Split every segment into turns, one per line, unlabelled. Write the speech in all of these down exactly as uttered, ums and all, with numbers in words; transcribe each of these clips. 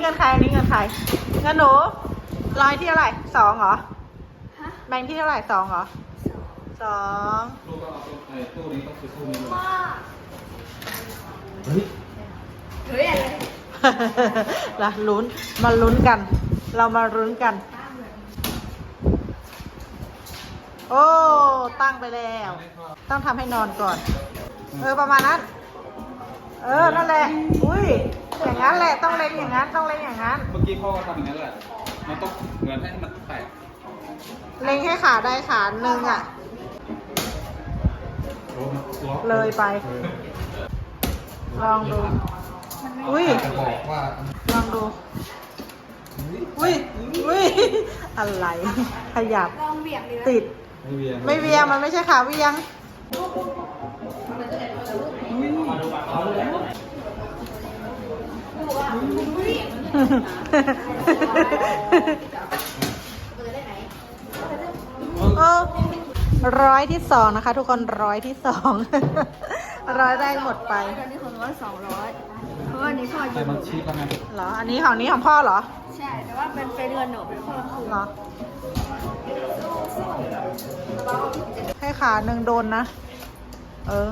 งินใครอันนี้เงินใครเงินหนูร้อยที่เท่าไหร่สองเหรอแบงค์ที่เท่าไหร่สองเหรอสอง
ตู้ก็เอาตู้ไอ้ตู้นี้ก็คือตู้นี้เลย
เฮ้ย
เฮ้ยอะไร
ละลุ้นมาลุ้นกัน เรามาลุ้นกัน โอ้ตั้งไปแล้ว ต้องทำให้นอนก่อน เออประมาณนั้น เออนั่นแหละอุ้ยอย่างนั้นแหละต้องเล็งอย่างนั้นต้องเล็งอย่างนั้น
เมื่อกี้พ่อก็ทำอย่างนั้นแหละมันต้องเหมือนให้มันแตก
เล็งให้ขาได้ขาหนึ่งอ่ะ
โอ้มันล็อก
เลยไป ลองดู อุ้ย
จะบอกว่า
ลองดู อุ้ยอุ้ยอะไร ขยับ
ลองเบี่ยงดีไหม
ติด
ไม่เวียง
ไม่เวียงมันไม่ใช่ขาเวียง เออร้อยที่สองนะคะ ทุกคนร้อยที่สองร้อยแรกหมดไป
ตอนนี้ของร้อยสองร้อยเพราะว่านี้พ่อ
แต่
ยืม
มันชี้แล้วไง
เหรอ อันนี้ของนี้ของพ่อเหรอ
ใช่ แต่ว่าเป็นเป็นเงินหนูเป็นพ่อคือ
เหรอ ให้ขาหนึ่งโดนนะ เออ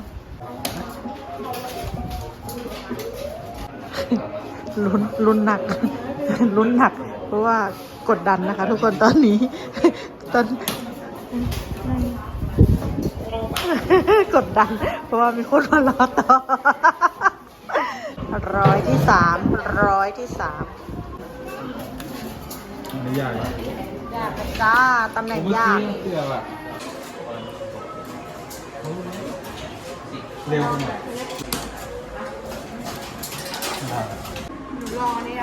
ลุ้นลุ้นหนัก ลุ้นหนัก เพราะว่ากดดันนะคะ ทุกคนตอนนี้ ตอน กดดัน เพราะว่ามีคนมารอต่อ ร้อยที่สามร้อยที่สาม
ไม่ยากหรอก
ยากจ้าตำแหน่งยาก
เกือบอะเร็วไปหน่อย
หนูลองอันนี้นะ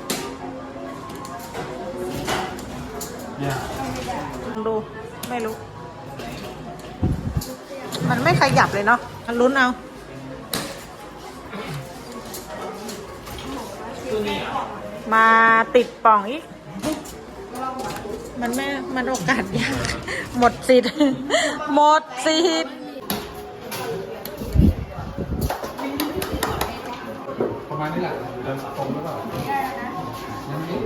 ยาก
ดูไม่รู้ มันไม่ขยับเลยเนาะมันลุ้นเอา มาติดป่องอีก มันไม่ มันโอกาสยาก หมดสิทธิ์ หมดสิทธิ์
ประมาณนี้แหละเดินตรงหรือเปล่างั้นนี่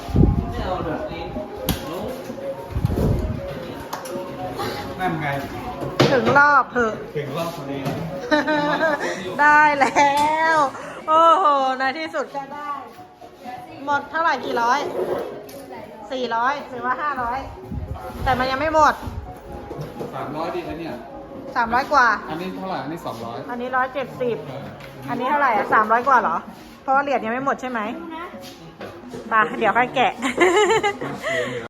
นั่นไง
ถึงรอบเถอะ
ถึงรอบพอดี
ได้แล้ว โอ้โห ในที่สุดก็ได้ หมดเท่าไหร่กี่ร้อย สี่ร้อยหรือว่าห้าร้อย แต่มันยังไม่หมด
สามร้อยดีนะเนี่ย
สามร้อยกว่า
อันนี้เท่าไหร่ อันนี้สองร้อย
อันนี้ร้อยเจ็ดสิบ อันนี้เท่าไหร่อ่ะสามร้อยกว่าเหรอ เพราะว่าเหรียญยังไม่หมดใช่ไหม
นะ
ไปเดี๋ยวค่อยแกะ